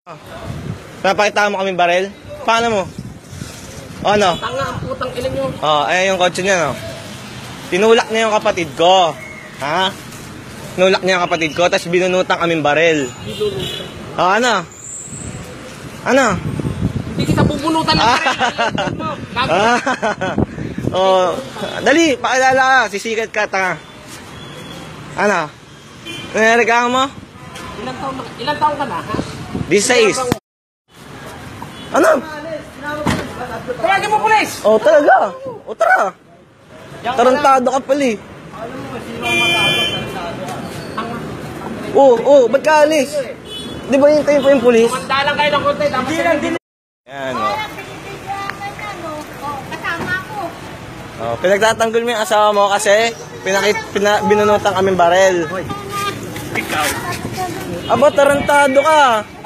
Napakita mo kaming barel? Paano mo? O ano? Tanga ang putang ilan nyo. Ayan yung kotse niya, no? Tinulak niya yung kapatid ko. Ha? Tinulak niya yung kapatid ko, tapos binunutan kaming barel. Ano? Ano? Hindi kita bubunutan ng dali, pakilala ka. Sisikat ka, tanga. Ano? Nangyari mo? Ilang taon ka na, ha? 16. Ano? Tawagin mo, pulis! Talaga. Tara. Tarantado ka pala eh. Ba't ka alis? Di ba hintayin po yung pulis? Kumanda lang kayo ng konti, tapos din. Yan, Kasama ko. pinagtatanggol mo yung asawa mo kasi binunutan kaming barel. Ikaw. Aba, tarantado ka.